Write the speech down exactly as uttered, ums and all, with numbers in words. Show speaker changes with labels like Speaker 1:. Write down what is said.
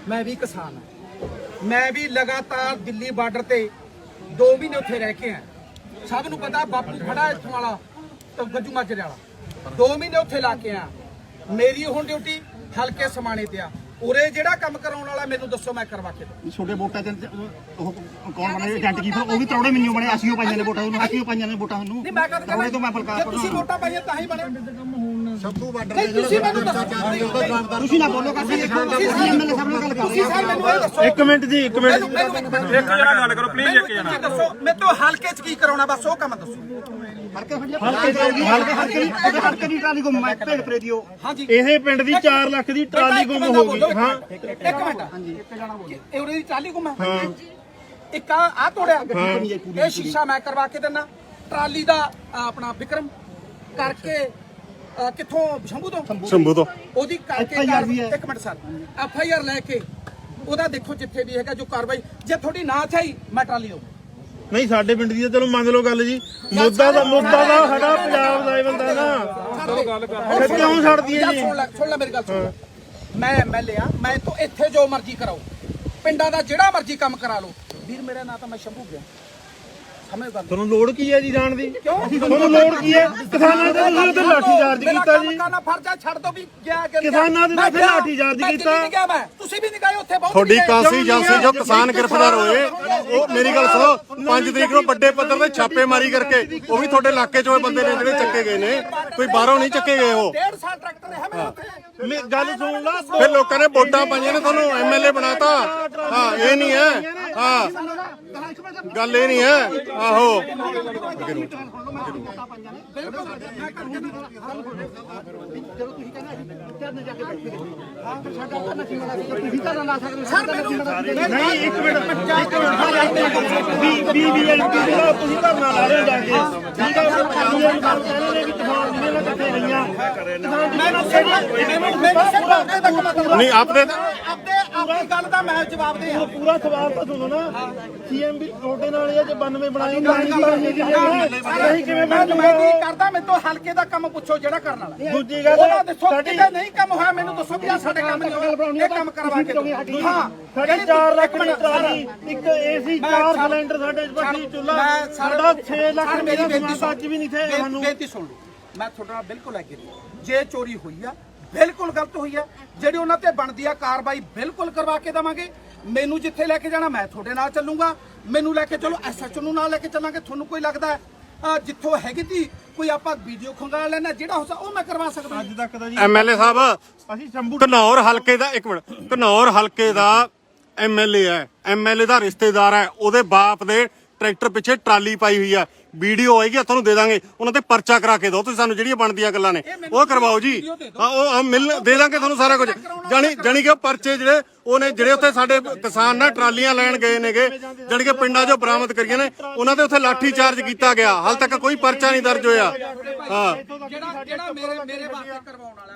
Speaker 1: मैं भी किसान हाँ, मैं भी लगातार दिल्ली बार्डर ते दो महीने उत्थे रह के हैं। सब नूं पता बापू खड़ा इत्थों वाला तो गज्जू माजरे वाला दो महीने उत्थे ला के आ। मेरी हुण ड्यूटी हल्के समाणे ते आ। उरे जेड़ा काम कराउण वाला मैनूं दसो मैं करवा के दूं।
Speaker 2: छोटे वोटां ते ਉਹ ਕੌਣ ਬਣੇ ਏਜੰਟ ਕੀ ਉਹ ਵੀ ਤਰੌੜੇ ਮੈਨੂੰ ਬਣੇ ਅਸੀਂ ਉਹ ਪਾਈਆਂ ਨੇ ਵੋਟਾਂ ਉਹਨੂੰ ਅਸੀਂ ਉਹ ਪਾਈਆਂ ਨੇ ਵੋਟਾਂ ਉਹਨੂੰ
Speaker 1: ਨਹੀਂ ਮੈਂ ਕਦ
Speaker 2: ਤਰੌੜੇ ਤੋਂ ਮੈਂ ਬਲਕਾਰ
Speaker 1: ਜੇ ਤੁਸੀਂ ਵੋਟਾਂ ਪਾਈਆਂ ਤਾਂ ਹੀ ਬਣੇ
Speaker 3: ਸ਼ੰਭੂ ਬਾਰਡਰ
Speaker 1: ਨਹੀਂ ਤੁਸੀਂ ਮੈਨੂੰ ਦੱਸੋ
Speaker 2: ਤੁਸੀਂ ਨਾ ਬੋਲੋ kasi ਤੁਸੀਂ ਐਮਐਲਏ ਸਾਹਿਬ ਨਾਲ ਗੱਲ ਕਰ
Speaker 1: ਤੁਸੀਂ ਸਰ ਮੈਨੂੰ ਇਹ ਦੱਸੋ
Speaker 4: ਇੱਕ ਮਿੰਟ ਜੀ ਇੱਕ ਮਿੰਟ
Speaker 1: ਇੱਕ
Speaker 4: ਜਣਾ ਗੱਲ ਕਰੋ ਪਲੀਜ਼ ਇੱਕ ਜਣਾ
Speaker 1: ਦੱਸੋ ਮੈਂ ਤੋਂ ਹਲਕੇ ਚ ਕੀ ਕਰਾਉਣਾ ਬਸ ਉਹ ਕੰਮ ਦੱਸੋ।
Speaker 2: ਹਲਕੇ ਹਲਕੇ ਹਲਕੇ ਦੀ ਹਲਕੇ ਦੀ ਟਰਾਲੀ ਗੁੰਮ ਮੈਂ ਭੇਡ ਪਰੇ ਦਿਓ
Speaker 1: ਹਾਂਜੀ
Speaker 4: ਇਹ ਪਿੰਡ ਦੀ ਚਾਰ ਲੱਖ ਦੀ ਟਰਾਲੀ ਗੁੰਮ ਹੋ ਗਈ। ਹਾਂ
Speaker 1: ਇੱਕ ਮਿੰਟ ਹਾਂਜੀ ਇੱਕ ਜਣਾ ਬੋਲੋ ਇਹ ਉਹਦੀ ਟਰਾਲੀ ਗੁੰਮ ਹੈ ਇੱਕ ਆ ਆ ਤੋੜਿਆ ਇਹ ਸ਼ੀਸ਼ਾ ਮੈਂ ਕਰਵਾ ਕੇ ਦਿੰਨਾ ਟਰਾਲੀ ਦਾ ਆਪਣਾ ਵਿਕਰਮ ਕਰਕੇ ਕਿੱਥੋਂ ਸ਼ੰਭੂ ਤੋਂ
Speaker 4: ਸ਼ੰਭੂ ਤੋਂ
Speaker 1: ਉਹਦੀ ਕਰਕੇ ਇੱਕ minute sir F I R ਲੈ ਕੇ ਉਹਦਾ ਦੇਖੋ ਜਿੱਥੇ ਵੀ ਹੈਗਾ ਜੋ ਕਾਰਵਾਈ ਜੇ ਤੁਹਾਡੀ ਨਾ ਚਾਹੀ ਮੈਂ ਟਰਾਲੀ ਦਊਂ।
Speaker 4: ਨਹੀਂ ਸਾਡੇ ਪਿੰਡ ਦੀ ਤਾਂ ਚਲੋ ਮੰਨ ਲਓ ਗੱਲ ਜੀ ਮੁੱਦਾ ਦਾ ਮੁੱਦਾ ਦਾ ਸਾਡਾ ਪੰਜਾਬ ਦਾ ਇਹ ਬੰਦਾ ਨਾ
Speaker 1: ਚਲੋ ਗੱਲ
Speaker 4: ਫਿਰ ਕਿਉਂ ਛੱਡਦੀ ਹੈ ਜੀ।
Speaker 1: ਸੁਣ ਲੈ ਸੁਣ ਲੈ ਮੇਰੀ ਗੱਲ ਸੁਣ ਮੈਂ ਐਮਐਲਏ ਆ ਮੈਂ ਤੋਂ ਇੱਥੇ ਜੋ ਮਰਜ਼ੀ ਕਰਾਓ ਪਿੰਡਾਂ ਦਾ ਜਿਹੜਾ ਮਰਜ਼ੀ ਕੰਮ ਕਰਾ ਲਓ ਵੀਰ ਮੇਰਾ ਨਾਂ ਤਾਂ ਮੈਂ ਸ਼ੰਭੂ ਗਿਆ ਸਮਝ ਗੱਲ
Speaker 4: ਤੁਹਾਨੂੰ ਲੋੜ ਕੀ ਹੈ ਜੀ ਜਾਣ ਦੀ
Speaker 1: ਕਿਉਂ
Speaker 4: ਤੁਹਾਨੂੰ ਲੋੜ ਕੀ ਹੈ ਕਿਸਾਨਾਂ ਦੇ ਤੁਸੀਂ ਤੇ ਲਾਠੀ ਚਾਰਜ ਕੀਤਾ ਜੀ
Speaker 1: ਕਰਨਾ ਫਰਜ਼ਾ ਛੱਡ ਦੋ ਵੀ ਗਿਆ ਕਿ
Speaker 4: ਕਿਸਾਨਾਂ ਦੇ ਨਾਲ ਫਿਰ ਲਾਠੀ ਚਾਰਜ ਕੀਤਾ
Speaker 1: ਨਹੀਂ ਗਿਆ ਮੈਂ ਤੁਸੀਂ ਵੀ ਨਹੀਂ ਗਏ ਉੱਥੇ ਬਹੁਤ
Speaker 5: ਤੁਹਾਡੀ ਕਾਂਸੀ ਏਜੰਸੀ ਜੋ ਕਿਸਾਨ ਗ੍ਰਿਫਤਾਰ ਹੋਏ ਉਹ ਮੇਰੀ ਗੱਲ ਸੁਣੋ ਪੰਜ ਤਰੀਕ ਨੂੰ ਵੱਡੇ ਪੱਧਰ ਤੇ ਛਾਪੇਮਾਰੀ ਕਰਕੇ ਉਹ ਵੀ ਤੁਹਾਡੇ ਇਲਾਕੇ ਚੋਂ ਬੰਦੇ ਨੇ ਜਿਹੜੇ ਚੱਕੇ ਗਏ ਨੇ ਕੋਈ ਬਾਹਰੋਂ ਨਹੀਂ ਚੱਕੇ ਗਏ ਉਹ
Speaker 1: ਡੇਢ ਸਾਲ ਟਰੈਕਟਰ ਹੈ ਮੇਰੇ ਉੱਥੇ
Speaker 4: ਮੇ- ਗੱਲ ਸੁਣ ਲਾ
Speaker 5: ਫਿਰ ਲੋਕਾਂ ਨੇ ਵੋਟਾਂ ਪਾਈਆਂ ਨੇ ਤੁਹਾਨੂੰ ਐਮਐਲਏ ਬਣਾਤਾ। ਹਾਂ ਇਹ ਨਹੀਂ ਹੈ ਹਾਂ ਗੱਲ ਇਹ ਨਹੀਂ ਹੈ ਆਹੋ
Speaker 4: ਨਹੀਂ ਇੱਕ ਮਿੰਟ ਇੱਕ ਮਿੰਟ ਵੀ ਵੀ ਵੀ ਤੁਸੀਂ ਧਰਨਾ ਲਾ ਰਹੇ ਹੋ ਜਾ ਕੇ ਠੀਕ ਹੈ ਪਾਣੀ ਵਾਲੀ ਗੱਲ ਕਹਿੰਦੇ ਨੇ ਵੀ ਤੂਫਾਨ ਜਿਹਨੇ ਨਾਲ ਇਕੱਠੇ ਗਈਆਂ
Speaker 5: ਨਹੀਂ ਆਪਣੇ
Speaker 1: ਆਪਦੇ ਆਪਣੀ ਗੱਲ ਦਾ ਮੈਂ ਜਵਾਬ ਦੇ ਆ
Speaker 4: ਪੂਰਾ ਸਵਾਲ ਤਾਂ ਸੁਣੋ ਨਾ ਸੀਐਮ ਵੀ ਤੁਹਾਡੇ ਨਾਲ ਇਹ ਜੇ ਬਾਨਵੇਂ ਬਣਾਏ ਨਹੀਂ ਕਿਵੇਂ
Speaker 1: ਮੈਂ
Speaker 4: ਬਣ
Speaker 1: ਮੈਂ ਕੀ
Speaker 4: ਜੂਗਾ
Speaker 1: ਕਰਦਾ ਮੈਨੂੰ ਤੋਂ ਹਲਕੇ ਦਾ ਕੰਮ ਪੁੱਛੋ ਜਿਹੜਾ ਕਰਨ ਵਾਲਾ
Speaker 4: ਦੂਜੀ ਗੱਲ
Speaker 1: ਉਹਦਾ ਦੱਸੋ
Speaker 4: ਸਾਡੀ
Speaker 1: ਕਿਤੇ ਨਹੀਂ ਕੰਮ ਹੋਇਆ ਮੈਨੂੰ ਦੱਸੋ ਵੀ ਆ ਸਾਡੇ ਕੰਮ ਨਹੀਂ ਹੋਇਆ ਇਹ ਕੰਮ ਕਰਵਾ ਕੇ ਦਿਓ। ਹਾਂ
Speaker 4: ਸਾਡੀ ਚਾਰ ਲੱਖ ਦੀ ਟਰਾਲੀ ਇੱਕ ਏਸੀ ਚਾਰ ਸਿਲੰਡਰ ਸਾਡੇ ਬੱਤੀ ਚੁੱਲਾ ਸਾਡਾ ਛੇ ਲੱਖ ਰੁਪਏ ਦਾ ਸਮਾਨ ਅੱਜ ਵੀ ਨਹੀਂ ਥੇ ਸਾਨੂੰ
Speaker 1: ਬੇਨਤੀ ਸੁਣ ਲਓ ਮੈਂ ਤੁਹਾਡੇ ਨਾਲ ਬਿਲਕੁਲ ਐਗਰੀ ਜੇ ਚੋਰੀ ਹੋਈ ਆ ਬਿਲਕੁਲ ਗਲਤ ਹੋਈ ਆ ਜਿਹੜੀ ਉਹਨਾਂ ਤੇ ਬਣਦੀ ਆ ਕਾਰਵਾਈ ਬਿਲਕੁਲ ਕਰਵਾ ਕੇ ਦੇਵਾਂਗੇ। ਮੈਨੂੰ ਜਿੱਥੇ ਲੈ ਕੇ ਜਾਣਾ ਮੈਂ ਤੁਹਾਡੇ ਨਾਲ ਚੱਲੂਗਾ ਮੈਨੂੰ ਲੈ ਕੇ ਚਲੋ ਐਸਐਚਓ ਨੂੰ ਨਾਲ ਲੈ ਕੇ ਚੱਲਾਂਗੇ। ਤੁਹਾਨੂੰ ਕੋਈ ਲੱਗਦਾ ਹੈ ਜਿੱਥੋਂ ਹੈਗੀ ਤੀ ਕੋਈ ਆਪਾਂ ਵੀਡੀਓ ਖੰਗਾ ਲੈਣਾ ਜਿਹੜਾ ਹੋ ਉਹ ਮੈਂ ਕਰਵਾ ਸਕਦਾ
Speaker 4: ਅੱਜ ਤੱਕ ਦਾ ਜੀ
Speaker 5: ਐਮਐਲਏ ਸਾਹਿਬ
Speaker 4: ਅਸੀਂ ਸ਼ੰਭੂ
Speaker 5: ਘਨੌਰ ਹਲਕੇ ਦਾ ਇੱਕ ਮਿੰਟ ਘਨੌਰ ਹਲਕੇ ਦਾ ਐਮਐਲਏ ਹੈ ਐਮਐਲਏ ਦਾ ਰਿਸ਼ਤੇਦਾਰ ਹੈ ਉਹਦੇ ਬਾਪ ਦੇ ਟਰੈਕਟਰ ਪਿੱਛੇ ਟਰਾਲੀ ਪਾਈ ਹੋਈ ਆ ਵੀਡੀਓ ਹੋਏਗੀ ਤੁਹਾਨੂੰ ਦੇ ਦਾਂਗੇ ਉਹਨਾਂ ਤੇ ਪਰਚਾ ਕਰਾ ਕੇ ਦਿਓ ਤੁਸੀਂ ਸਾਨੂੰ ਜਿਹੜੀਆਂ ਬਣਦੀਆਂ ਗੱਲਾਂ ਨੇ ਉਹ ਕਰਵਾਓ ਜੀ ਹਾਂ ਉਹ ਮਿਲ ਦੇ ਦਾਂਗੇ ਤੁਹਾਨੂੰ ਸਾਰਾ ਕੁਝ ਜਾਣੀ ਜਾਣੀ ਕਿ ਪਰਚੇ ਜਿਹੜੇ ਉਹਨੇ ਜਿਹੜੇ ਉੱਥੇ ਸਾਡੇ ਕਿਸਾਨ ਨਾ ਟਰਾਲੀਆਂ ਲੈਣ ਗਏ ਨੇਗੇ ਜਾਣੀ ਕਿ ਪਿੰਡਾਂ 'ਚੋਂ ਬਰਾਮਦ ਕਰੀਆਂ ਨੇ ਉਹਨਾਂ ਦੇ ਉੱਥੇ ਲਾਠੀ ਚਾਰਜ ਕੀਤਾ ਗਿਆ ਹਾਲ ਤੱਕ ਕੋਈ ਪਰਚਾ ਨਹੀਂ ਦਰਜ ਹੋਇਆ ਹਾਂ
Speaker 1: ਜਿਹੜਾ ਜਿਹੜਾ ਮੇਰੇ ਮੇਰੇ ਵਾਸਤੇ ਕਰਵਾਉਣ ਵਾਲਾ